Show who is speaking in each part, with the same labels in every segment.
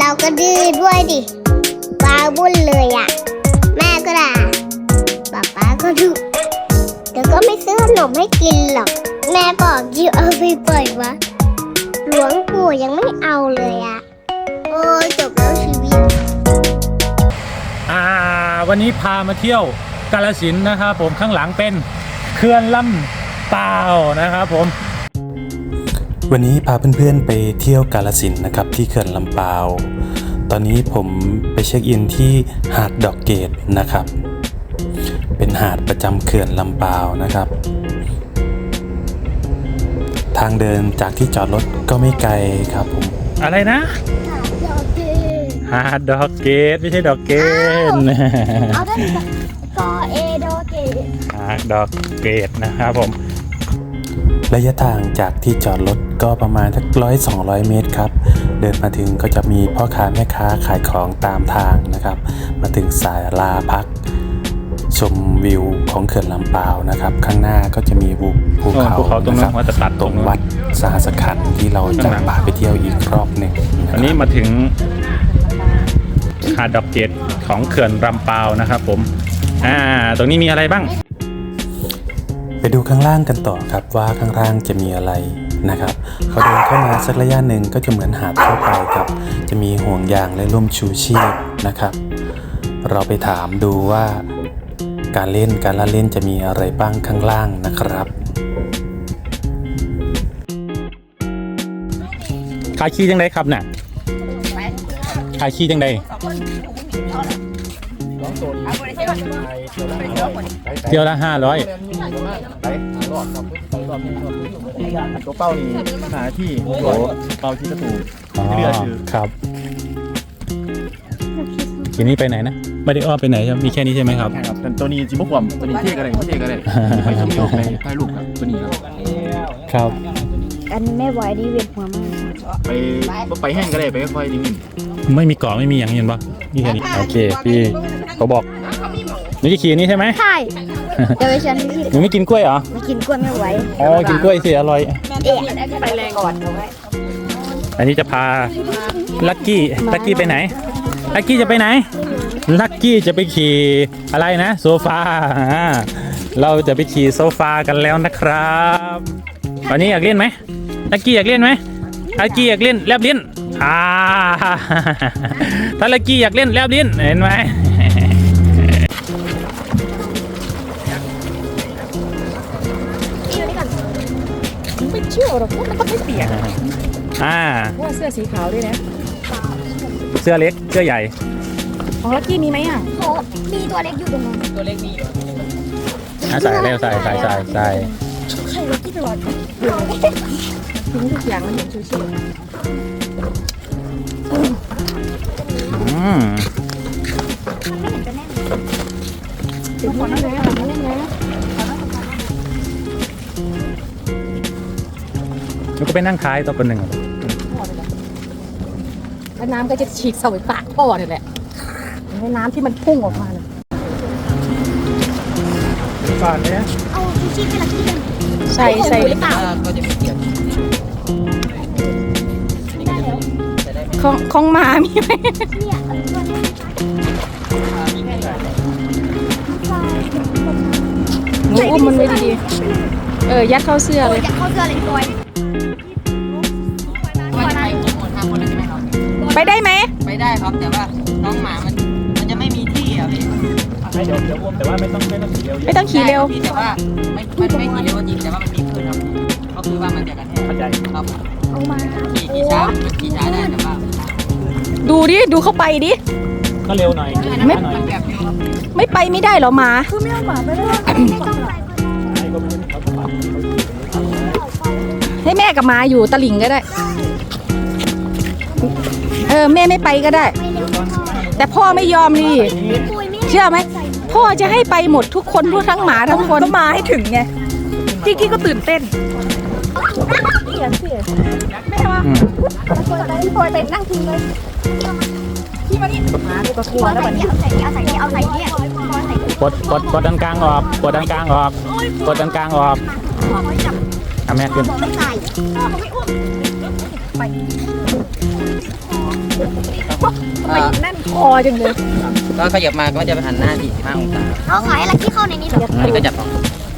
Speaker 1: เราก็ดื้อด้วยดิวาวุ่นเลยอ่ะแม่ก็ด่าป๊าก็ดุแต่ก็ไม่ซื้อขนมให้กินหรอกแม่บอกอยู่เอาไปปล่อยวะหลวงปู่ยังไม่เอาเลยอ่ะโอ้ยจบแล้วชีวิต
Speaker 2: วันนี้พามาเที่ยวกาฬสินธุ์นะครับผมข้างหลังเป็นเขื่อนลำปาวนะครับผม
Speaker 3: วันนี้พาเพื่อนๆไปเที่ยวกาฬสินธุ์นะครับที่เขื่อนลำปาวตอนนี้ผมไปเช็คอินที่หาดดอกเกดนะครับเป็นหาดประจำเขื่อนลำปาวนะครับทางเดินจากที่จอดรถก็ไม่ไกลครับผม
Speaker 2: อะไรนะหาดดอกเกดไม่ใช่ดอกเกด
Speaker 1: เอาได้กอเอดอกเกด
Speaker 2: หาดดอกเกดนะครับผม
Speaker 3: ระยะทางจากที่จอดรถก็ประมาณสัก100-200 เมตรครับเดินมาถึงก็จะมีพ่อค้าแม่ค้าขายของตามทางนะครับมาถึงศาลาพักชมวิวของเขื่อนลำปาวนะครับข้างหน้าก็จะมีภูเขา
Speaker 2: ตรงนั้นว่าจะตัด
Speaker 3: ตรงวัดสหสขันธ์ที่เราจะพาไปเที่ยวอีกรอบหนึ่ง
Speaker 2: อันนี้มาถึงหาดดอกเกดของเขื่อนลำปาวนะครับผมตรงนี้มีอะไรบ้าง
Speaker 3: ไปดูข้างล่างกันต่อครับว่าข้างล่างจะมีอะไรนะครับพอเดินเข้ามาสักระยะหนึ่งก็จะเหมือนหาดทั่วไปครับจะมีห่วงยางและร่มชูชีพนะครับเราไปถามดูว่าการละเล่นจะมีอะไรบ้างข้างล่างนะครับ
Speaker 2: ขายขี้จังไดครับน่ะขายขี้จังไดเที่ยวละ500
Speaker 4: ตัวเป้านี่หาที่เป้าที่กระตูเรือคือ
Speaker 2: ครับทีนี้ไปไหนนะไม่ได้อ้อมไปไหนใช่ไหมมีแค่นี้ใช่ไหมครับ
Speaker 4: แต่ตัวนี้จิมบุกวมตัวนี้เท่กันเลยไม่เท่กันเลยไปทำโยกไปถ่ายรูปครับตัวนี้
Speaker 2: ครับ
Speaker 1: อันแม่ไหวดีเวียนหัวมาก
Speaker 4: ไปแห้งก็ได้ไปค่อยๆนิ่ง
Speaker 2: ๆไม่มีเกาะไม่มีอย่างเห็นปะนี่แค่นี้โอเคพี่เขาบอกนี่จะขี่นี่ใช่ไหม
Speaker 1: ใช่เดี๋ยวฉัน
Speaker 2: หนูไม่กินกล้วยเหรอ
Speaker 1: ไม่กินกล้วยไม่ไหว
Speaker 2: อ๋อกินกล้วยสิอร่อย
Speaker 1: ไปแรงก่อน
Speaker 2: อันนี้จะพาลักกี้ไปไหนลักกี้จะไปไหนลักกี้จะไปขี่อะไรนะโซฟาเราจะไปขี่โซฟากันแล้วนะครับวันนี้อยากเล่นไหมลักกี้อยากเล่นไหมลักกี้อยากเล่นแลบลิ้นถ้าลักกี้อยากเล่นแลบลิ้นเห็นไหม
Speaker 5: ไม่เชื่อหรอกว่ามันต้องไม่เปียกว่าเสื้อสีขาวด้วยนะ
Speaker 2: เสื้อเล็กเสื้อใหญ่
Speaker 5: ของลักกี้มีไหม
Speaker 1: โอ้มีตัวเล็กอยู่ตรงนั้น
Speaker 5: ตัวเล็กมีอยู่
Speaker 2: ใส่เร็วใส่
Speaker 5: ใครลักกี้ตลอดทุกอย่างมันเห็นชิวเดี๋ยวคนนั้นเลย
Speaker 2: แล้วก็ไปนั่งท้ายตัวคนหนึ่ง
Speaker 5: แล้วน้ำก็จะฉีกเสาไฟปากพ่อเนี่ยแหละให้น้ำที่มันพุ่งออกมาเลย
Speaker 2: ฝาดเลย
Speaker 1: เอาชูชีพไปละที่นึง
Speaker 5: ใส่
Speaker 1: หรือเปล่า
Speaker 5: ก็จะมีเกียร์ของหมามีไหมหนูอุ้มมันไว้ดีๆยัดเข้าเสื้อเลย
Speaker 1: ยัดเข้าเสื้อเลยตัว
Speaker 5: ไปได้ไหม
Speaker 6: ไปได้ครับแต่ว่าน้องหมามันจะไม่มีที่อ่ะพี่
Speaker 2: เดี๋ยวแต่ว่าไม่ต้องขี่เร็ว
Speaker 5: ไม่ต้องขี่เร็ว
Speaker 6: แต่ว่าไม่ขี่เร็วจริงแต่ว่ามันมีคลื่นครับก็คือว่ามันจะกระแทกครับ
Speaker 1: เอามา
Speaker 6: ขี่ช้าได้แต่ว่า
Speaker 5: ดูเข้าไปดิ
Speaker 2: ก็เร็วหน่อย
Speaker 5: ไม่ไปไม่ได้หรอหมา
Speaker 1: คือไม่เอาหมาไปด้วย
Speaker 5: ให้แม่กับหมาอยู่ตะหลิ่งก็ได้แม่ไม่ไปก็ได้แต่พ่อไม่ยอมดิเชื่อไหมพ่อจะให้ไปหมดทุกคนทั้งหมาทั้งคนก็มาให้ถึงไงที่ก็ตื่นเต้นไม่ใช่ว่าพี่พลอยไปนั่งทิ้งเลยพี่มานี่มาดูกระทัวแล้วมัน
Speaker 1: เอาใส่เนี่ย
Speaker 2: กดด้านกลางออกกดด้านกลางออกแม่ขึ้น
Speaker 1: ไม่ใส่เขาไม่อุ้มไป
Speaker 5: ทำไมแน่นคอจังเลย
Speaker 6: ก็ขยับมาก็จะไปหันหน้า45 องศา
Speaker 1: เขาขายอะไรที่เข้าในนี้เหรอ
Speaker 6: อันนี้ก็จับของ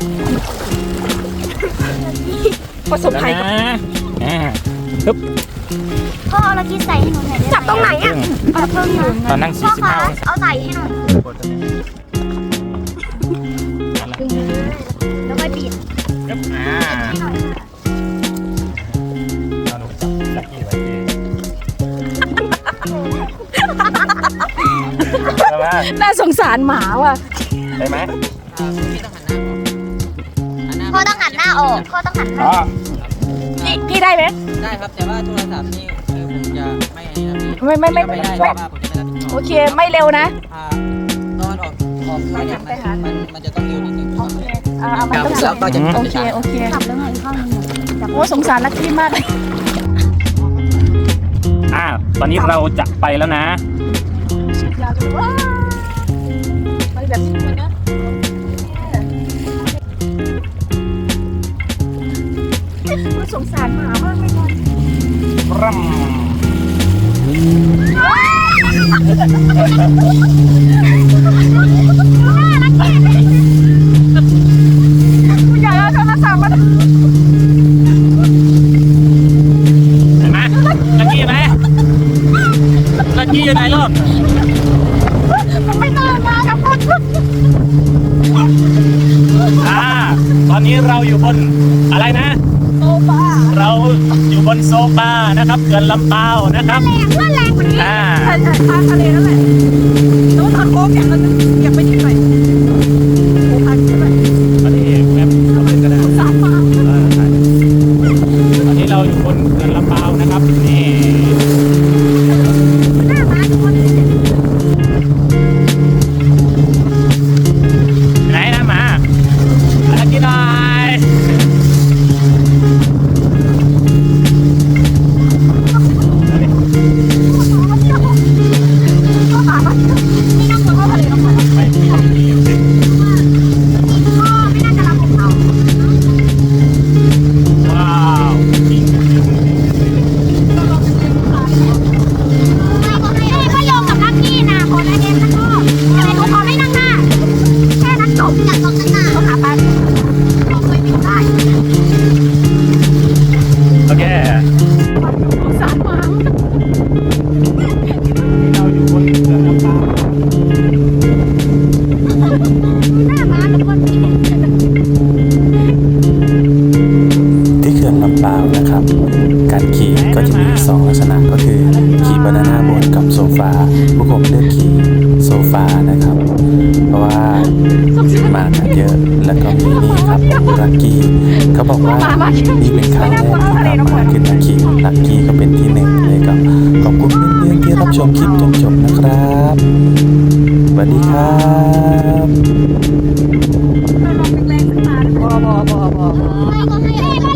Speaker 5: ประสบภัยกับ
Speaker 2: ปึ๊บ
Speaker 1: พ่อเอาอะไรที่ใส่ให้หนูหน่อยได้ไหม
Speaker 5: จับตรงไหนอ่ะ
Speaker 1: เอาเพิ่มหน่อย
Speaker 2: ตอนนั่ง
Speaker 1: พ่อคะ
Speaker 2: 45องศา
Speaker 1: เอาใส่ให้หน่อยแล้วค่อยปิด
Speaker 2: ปึ๊บ
Speaker 1: ให้หน่อยค่ะ
Speaker 2: เอาหนูจับลักกี้ไว้ดีได้ไหม
Speaker 5: น่าสงสารหมาว่ะ
Speaker 2: ได้ไหม
Speaker 6: พี่ต้องหันหน้าออก
Speaker 1: พ่อต้องหันหน้าออกพ่อต้องหันหน้า
Speaker 2: อ๋อ
Speaker 5: พี่ได้ไหม
Speaker 6: ได้ครับ แต่ว่าโทรศัพท์นี่คือผมจะไม่อันนี้นะพี่
Speaker 5: ไม่
Speaker 6: ไม่ได้เพราะว่าผมจะไม่รับผิดชอบ
Speaker 5: โอเคไม่เร็วนะ
Speaker 6: ตอนออกตัวเนี่ยมันจะต้องเร็วนิดนึง
Speaker 5: มันต้อง
Speaker 6: แล้วก็จะ
Speaker 5: โอเคโอเค
Speaker 1: กลับแล้วไงข้างนึง
Speaker 5: โอ้สงสารลักกี้มากเลย
Speaker 2: ตอนนี้เราจะไปแล้วนะ
Speaker 5: อยากรู้ว่าไปแบบนี้มันนะสงสารหมามากเลยก่อน
Speaker 2: รัม
Speaker 5: อยากเอาโทรศัพท์มา
Speaker 2: เห็นไหมลักกี้ไหมลักกี้อยู่ไหนลูก
Speaker 5: ไม่ตื่นมากับคน
Speaker 2: ตอนนี้เราอยู่บนอะไรนะ
Speaker 5: โซฟา
Speaker 2: เราอยู่บนโซฟานะครับเขื่อนลำเปาวนะครับ
Speaker 1: แรงว่าแรงกว่านี้
Speaker 2: อ่า
Speaker 5: ใช่ทางทะเลนั่นแหละแล้วทางโค้งอย่างนั้นอยากไปที่ไหนโอ้พันใช่ไหม
Speaker 2: ตอนนี้แม่เราเป็นกันนะ
Speaker 5: สามมา
Speaker 2: ตอนนี้เราอยู่บนเขื่อนลำเปาวนะครับนี่ไหนนะหมาลักกี้หน่อย ไม่มีว้าวจริง
Speaker 1: ก็โยงกับลักกี้นะขอได้เองนะพ่อแต่หนูขอไม่นั่งหน้าแค่นั้นจบอยากลองนั่งหน้าเขาหาปันลองไปบินได้
Speaker 2: โอเค
Speaker 5: สงสารหมา
Speaker 2: เราอยู่บนเขื่อนลำเปาว
Speaker 1: หน้าม้าทุกคนมี
Speaker 3: ที่เขื่อนลำปาวนะครับ การขี่ก็จะมี2ลักษณะก็คือขี่บานาน่าโบ๊ทกับโซฟาพวกผมเลือกขี่โซฟานะครับ เพราะว่ามากันเยอะแล้วก็มีนี่ครับลักกี้เขาบอกว่านี่เป็นครั้งแรกที่เรามาขึ้นมาขี่ลักกี้ก็เป็นที่1เลยครับขอบคุณเพื่อนๆที่รับชมคลิปจนจบนะครับสวัสดีครับ
Speaker 5: ลองแรงๆสักตาพอ
Speaker 1: ไม่ก็ให้